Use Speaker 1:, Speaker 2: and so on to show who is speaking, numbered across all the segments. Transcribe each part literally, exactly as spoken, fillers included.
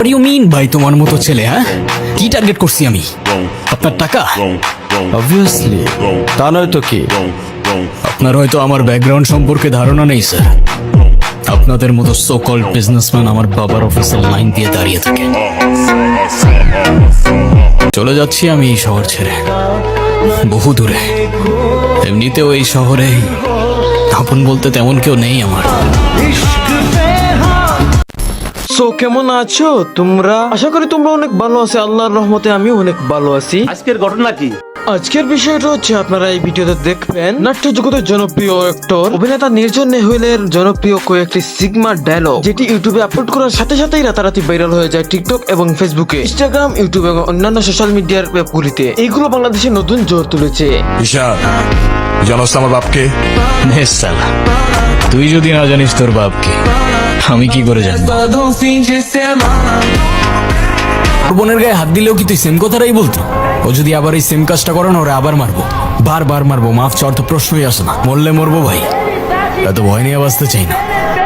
Speaker 1: You mean ভাই তোমার মতো ছেলে? হ্যাঁ, কি টার্গেট করছি আমি? আপনার টাকা?
Speaker 2: অবভিয়াসলি, তা নয় তো কি?
Speaker 1: আপনার হয়তো আমার ব্যাকগ্রাউন্ড সম্পর্কে ধারণা নেই স্যার। আপনাদের মতো সো কল্ড বিজনেসম্যান আমার বাবার অফিসের লাইন দিয়ে দাঁড়িয়ে থাকে। চলে যাচ্ছি আমি এই শহর ছেড়ে, বহু দূরে। এমনিতেও এই শহরে আপন বলতে তেমন কেউ নেই আমার।
Speaker 3: সো কেমন আছো তোমরা? আশা করি তোমরা অনেক ভালো আছো। আল্লাহর রহমতে আমিও অনেক ভালো আছি।
Speaker 4: আজকের ঘটনা কি?
Speaker 3: আজকের বিষয়টা হচ্ছে, আপনারা এই ভিডিওতে দেখবেন নাট্য জগতের জনপ্রিয় অ্যাক্টর অভিনেতা নির্জন নেহুলের জনপ্রিয় কয়েকটি সিগমা ডায়লগ, যেটি ইউটিউবে আপলোড করার সাথে সাথেই রাতারাতি ভাইরাল হয়ে যায় টিকটক এবং ফেসবুকে, ইনস্টাগ্রাম, ইউটিউব এবং অন্যান্য সোশ্যাল মিডিয়ার ওয়েবগুলিতে। এইগুলো বাংলাদেশে নতুন জোর তুলেছে।
Speaker 5: ঈশান, জানোস আমার বাপকে?
Speaker 1: নে সালা, তুই যদি না জানিস তোর বাপকে, আমি কি করে জানবো? ওর বোনের গায়ে হাত দিলেও কি তুই সেম কথাটাই বলতো? ও যদি আবার এই সেম কাজটা করে না, ওরা আবার মারবো, বারবার মারবো। মাফ চাওয়ার তো প্রশ্নই আসে না। মরলে মরবো ভাই, এত ভয় নিয়ে বাঁচতে চাই না।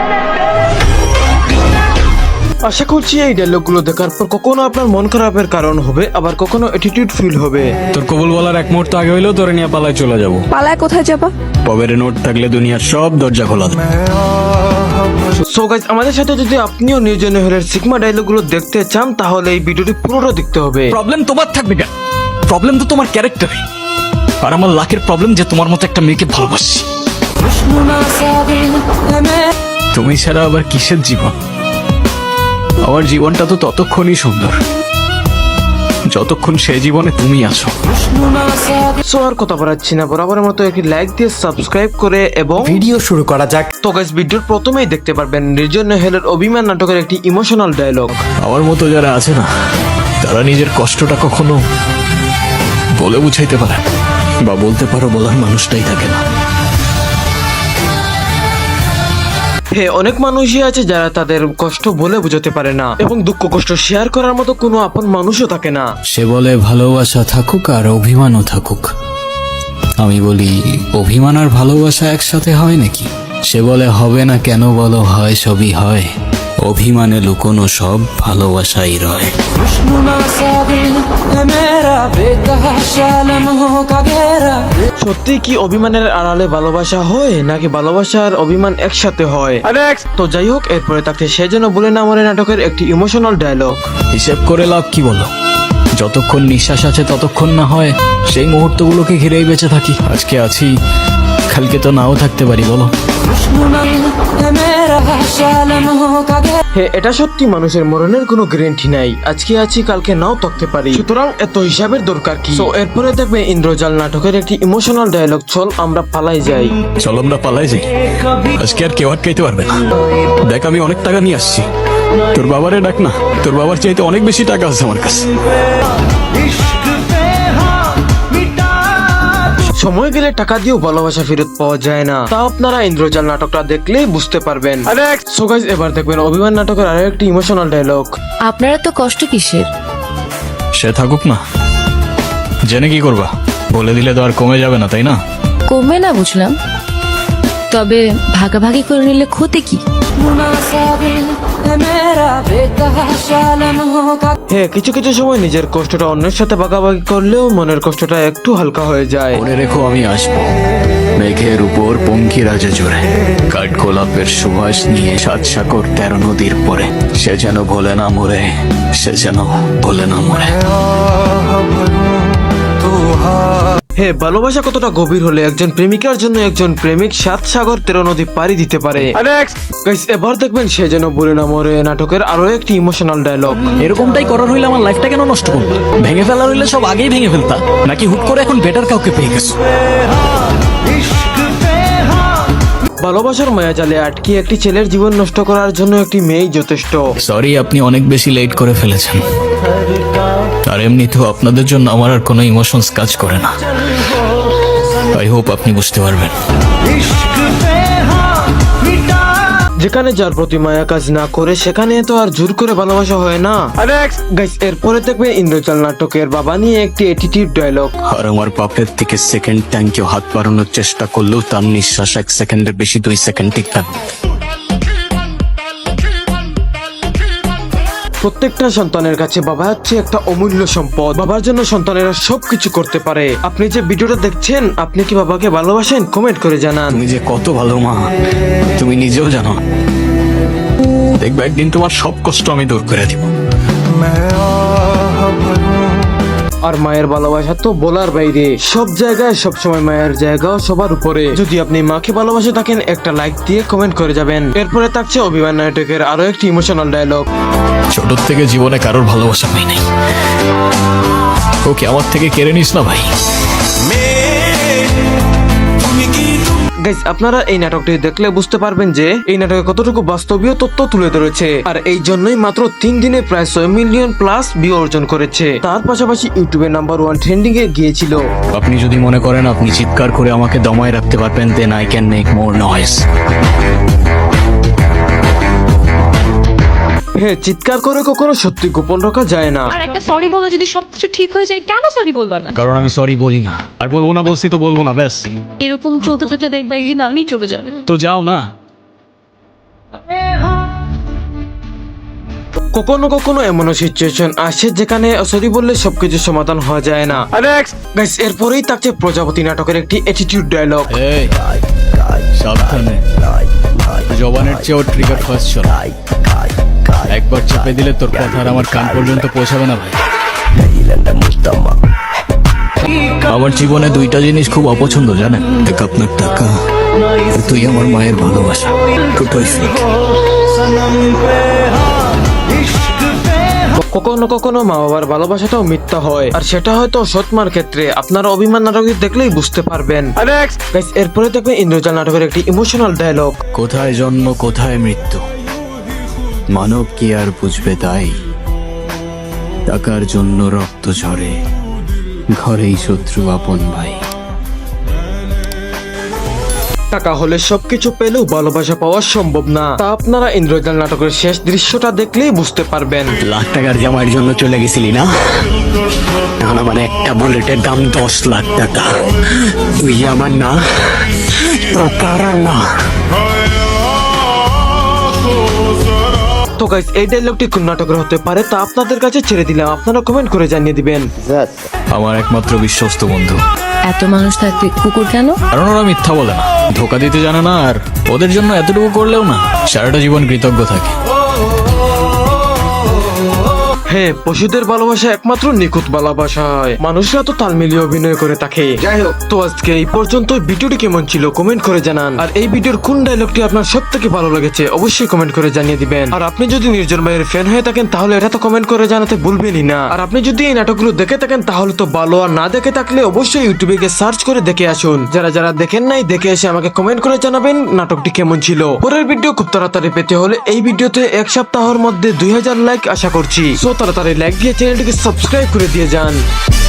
Speaker 3: আশা করছি এই ডায়লগগুলো দেখার পর কখনো আপনার মন খারাপের কারণ হবে, আবার কখনো অ্যাটিটিউড ফিল হবে।
Speaker 1: তোর কবুল বলার এক মুহূর্ত আগে হইলেও তোরে নিয়ে পালায় চলে যাবো।
Speaker 6: পালায় কোথায় যাবা?
Speaker 1: পবের নোট থাকলে দুনিয়ার সব দরজা খোলা থাকে।
Speaker 3: সো গাইস, আমাদের সাথে যদি আপনিও নির্জন নেহুলের সিগমা ডায়লগগুলো দেখতে চান, তাহলে এই ভিডিওটি পুরোটা দেখতে হবে।
Speaker 1: প্রবলেম তোমার থাকবে কেন? প্রবলেম তো তোমার ক্যারেক্টারে। আর আমার লাখের প্রবলেম যে তোমার মতো একটা মেয়েকে ভালোবাসি। তুমি ছাড়া আবার কিসের জীবন? আমার জীবনটা তো ততক্ষণই সুন্দর যতক্ষণ সে জীবনে তুমি আছো।
Speaker 3: সো আর কথা বাড়াচ্ছি না, বরাবরের মতো একটি লাইক দিয়ে সাবস্ক্রাইব করে এবং
Speaker 2: ভিডিও শুরু করা যাক।
Speaker 3: তো গাইস, ভিডিওর প্রথমেই দেখতে পারবেন নির্জন নেহুলের অভিমান নাটকের একটি ইমোশনাল ডায়লগ।
Speaker 1: আমার মতো যারা আছে না, তারা নিজের কষ্টটা কখনো বলে বুঝাইতে পারে না, বা বলতে পারো বলার মানুষটাই থাকে না।
Speaker 3: হ্যাঁ, অনেক মানুষই আছে যারা তাদের কষ্ট বলে বোঝাতে পারে না, এবং দুঃখ কষ্ট শেয়ার করার মতো কোনো আপন মানুষও থাকে না।
Speaker 1: সে বলে ভালোবাসা থাকুক আর অভিমানও থাকুক। আমি বলি, অভিমান আর ভালোবাসা একসাথে হয় নাকি? সে বলে হবে না কেন বলো, হয় সবই হয়। অভিমানে লুকোনো সব ভালোবাসাই রয়।
Speaker 3: সত্যি কি অভিমানের আড়ালে ভালোবাসা হয়, নাকি ভালোবাসার অভিমান একসাথে হয়? তো যাই হোক, এরপরে তাকে সে যেন বলে না মরে নাটকের একটি ইমোশনাল ডায়লগ।
Speaker 1: হিসেব করে লাভ কি বলো? যতক্ষণ নিঃশ্বাস আছে ততক্ষণ না হয় সেই মুহূর্তগুলোকে ঘিরেই বেঁচে থাকি। আজকে আছি, কালকে তো নাও থাকতে পারি, বলো।
Speaker 3: হ্যাঁ, এটা সত্যি, মানুষের মরণের কোনো গ্যারান্টি নাই। আজকে আছি, কালকে নাও থাকতে পারি, সুতরাং এত হিসাবের দরকার কি? তো এরপরে দেখবে ইন্দ্রজাল নাটকের একটি ইমোশনাল ডায়লগ, চল আমরা পালাই যাই।
Speaker 1: চল আমরা পালাই যাই, আজকে আর কেউ আটকাইতে পারবে না। দেখ, আমি অনেক টাকা নিয়ে আসছি, তোর বাবারে ডাক না, তোর বাবার চাইতে অনেক বেশি টাকা আছে আমার কাছে।
Speaker 3: সময় গেলে টাকা দিয়েও ভালোবাসা ফেরত পাওয়া যায় না, তা আপনারা ইন্দ্রজাল নাটকটা দেখলেই বুঝতে পারবেন। সো গাইস, এবার দেখবেন অভিমান নাটকের আরো একটি ইমোশনাল ডায়লগ।
Speaker 6: আপনারা তো কষ্ট কিসের?
Speaker 1: সে থাকুক না, জেনে কি করবা? বলে দিলে তো আর কমে যাবে না, তাই না?
Speaker 6: কমবে না বুঝলাম, তবে ভাগাভাগি করে নিলে ক্ষতি কি?
Speaker 3: হ্যাঁ, কিছু কিছু সময় নিজের কষ্টটা অন্যের সাথে ভাগাভাগি করলেও মনের কষ্টটা একটু হালকা হয়ে যায়।
Speaker 1: মনে রেখো, আমি আসবো মেঘের উপর পঙ্খিরাজে জোরে, কাঠ গোলাপের সুবাস নিয়ে সাত সাগর তেরো নদীর পরে। সে যেন ভোলে না মরে, সে যেন ভোলে না মরে।
Speaker 3: হ্যাঁ, ভালোবাসা কতটা গভীর হলে একজন প্রেমিকার জন্য একজন প্রেমিক সাত সাগর তেরো নদী পাড়ি দিতে পারে। গাইস, এবার দেখবেন সে যেন বলে না মরে নাটকের আরো একটি ইমোশনাল ডায়লগ।
Speaker 1: এরকমটাই করার হইলে আমার লাইফটা কেন নষ্ট করবো? ভেঙে ফেলার হইলে সব আগেই ভেঙে ফেলতা, নাকি হুট করে এখন বেটার কাউকে পেয়ে গেছো?
Speaker 3: ভালোবাসার মায়া জালে আটকে একটি ছেলের জীবন নষ্ট করার জন্য একটি মেয়েই যথেষ্ট।
Speaker 1: সরি, আপনি অনেক বেশি লেট করে ফেলেছেন। আর এমনিতেও আপনাদের জন্য আমার আর কোনো ইমোশনস কাজ করে না। আই হোপ আপনি বুঝতে পারবেন।
Speaker 3: যেখানে যার প্রতি মায়া কাজ না করে, সেখানে তো আর জোর করে ভালোবাসা হয় না। গাইস, এরপরে দেখবেন ইন্দ্রজাল নাটকের বাবা নিয়ে একটি অ্যাটিটিউড ডায়লগ।
Speaker 1: আর আমার বাপের থেকে সেকেন্ড ট্যাঙ্কে হাত বাড়ানোর চেষ্টা করলেও তার নিঃশ্বাস এক সেকেন্ডের বেশি দুই সেকেন্ড টিকবে।
Speaker 3: প্রত্যেকটা সন্তানের কাছে বাবা হচ্ছে একটা অমূল্য সম্পদ। বাবার জন্য সন্তানেরা সবকিছু করতে পারে। আপনি যে ভিডিওটা দেখছেন, আপনি কি বাবাকে ভালোবাসেন? কমেন্ট করে জানান।
Speaker 1: তুমি যে কত ভালো মা তুমি নিজেও জানো। দেখবে একদিন তোমার সব কষ্ট আমি দূর করে দিব।
Speaker 3: আর মায়ের ভালোবাসা তো বলার বাইরে, সব জায়গায় সব সময় মায়ের জায়গাও সবার উপরে। যদি আপনি মাকে ভালোবাসে থাকেন, একটা লাইক দিয়ে কমেন্ট করে যাবেন। এরপরে থাকছে অভিমান নাটকের আরো একটি ইমোশনাল ডায়লগ।
Speaker 1: ছোট থেকে জীবনে কারোর ভালোবাসা পাই নাই, ওকে আমার থেকে কেড়ে নিস না ভাই।
Speaker 3: গাইস, আপনারা এই নাটকটি দেখলে বুঝতে পারবেন যে এই নাটকে কতটুকু বাস্তবীয় তথ্য তুলে ধরেছে। আর এই জন্যই মাত্র তিন দিনে প্রায় ছয় মিলিয়ন প্লাস ভিউ অর্জন করেছে। তার পাশাপাশি ইউটিউবে নাম্বার ওয়ান ট্রেন্ডিং এ গিয়েছিল।
Speaker 1: আপনি যদি মনে করেন আপনি চিৎকার করে আমাকে দমায় রাখতে পারবেন, then I can make more noise.
Speaker 3: হ্যাঁ, চিৎকার করে কখনো সত্যি গোপন রাখা যায় না।
Speaker 4: আর একটা সরি বলে যদি সবকিছু ঠিক হয়ে যায়, কেন সরি বলবা না?
Speaker 1: কারণ আমি সরি বলি না, আর বলবো না, বলছি তো বলবো না, ব্যাস।
Speaker 4: এরকম চলতে চলতে দেখবে একদিন আমি চলে যাবে।
Speaker 1: তো যাও না।
Speaker 3: কখনো কখনো এমনও সিচুয়েশন আসে যেখানে সরি বললে সবকিছু সমাধান হওয়া যায় না। গাইস, এরপরেই থাকছে প্রজাপতি নাটকের একটি অ্যাটিটিউড ডায়লগ।
Speaker 1: এই সাবধানে, জবানের চেয়েও ট্রিগার ফার্স্ট চল। একবার চেপে দিলে তোর কথা আর আমার কান পর্যন্ত পৌঁছাবে না ভাই। আমার জীবনে দুইটা জিনিস খুব অপছন্দ জানেন, এক আপনার টাকা, আর তুই আমার মায়ের ভালোবাসা। দুটোই fake।
Speaker 3: কখনো কখনো মা বাবার ভালোবাসাটাও মিথ্যা হয়, আর সেটা হয়তো সৎমার ক্ষেত্রে। আপনারা অভিমান নাটক দেখলেই বুঝতে পারবেন। গাইস, এরপরে দেখবেন ইন্দ্রজাল নাটকের একটি ইমোশনাল ডায়লগ।
Speaker 1: কোথায় জন্ম কোথায় মৃত্যু, মানব কি আর বুঝবে তাই? টাকার জন্য রক্ত ঝরে, ঘরেই শত্রু আপন ভাই।
Speaker 3: টাকা হলে সবকিছু পেলেও ভালোবাসা পাওয়া সম্ভব না, তা আপনারা ইন্দ্রজাল নাটকের শেষ দৃশ্যটা দেখলেই বুঝতে পারবেন।
Speaker 1: লাখ টাকার জামাইয়ের জন্য চলে গেছিলি না? এখন আমার একটা বুলেটের দাম দশ লাখ টাকা। তুই আমার না, তোর কারা না।
Speaker 3: তো গাইস, এই ডায়লগটি কোন নাটকের হতে পারে তা আপনাদের কাছে ছেড়ে দিলাম। আপনারা কমেন্ট করে জানিয়ে দিবেন।
Speaker 1: আমার একমাত্র বিশ্বস্ত বন্ধু।
Speaker 6: এত মানুষ থাকতে কুকুর কেন?
Speaker 1: কারণ ওরা মিথ্যা বলে না, ধোকা দিতে জানে না, আর ওদের জন্য এতটুকু করলেও না সারাটা জীবন কৃতজ্ঞ থাকে।
Speaker 3: হ্যাঁ, পশুদের ভালোবাসা একমাত্র নিখুঁত ভালোবাসা হয়। মানুষরা তো তাল মিলিয়ে অভিনয় করে থাকে। যাই হোক, তো আজকে এই পর্যন্ত। ভিডিওটি কেমন ছিল কমেন্ট করে জানান। আর এই ভিডিওর কোন ডায়লগটি আপনার সব থেকে ভালো লেগেছে অবশ্যই কমেন্ট করে জানিয়ে দিবেন। আর আপনি যদি নির্জন ভাইয়ের ফ্যান হয়ে থাকেন তাহলে এটা তো কমেন্ট করে জানাতে ভুলবেনই না। আর আপনি যদি এই নাটকগুলো দেখে থাকেন তাহলে তো ভালো, আর না দেখে থাকলে অবশ্যই ইউটিউবে গিয়ে সার্চ করে দেখে আসুন। যারা যারা দেখেন নাই, দেখে এসে আমাকে কমেন্ট করে জানাবেন নাটকটি কেমন ছিল। পরের ভিডিও খুব তাড়াতাড়ি পেতে হলে এই ভিডিওতে এক সপ্তাহের মধ্যে দুই হাজার লাইক আশা করছি। সো তাড়াতাড়ি লাইক দিয়ে চ্যানেলটিকে সাবস্ক্রাইব করে দিয়ে যান।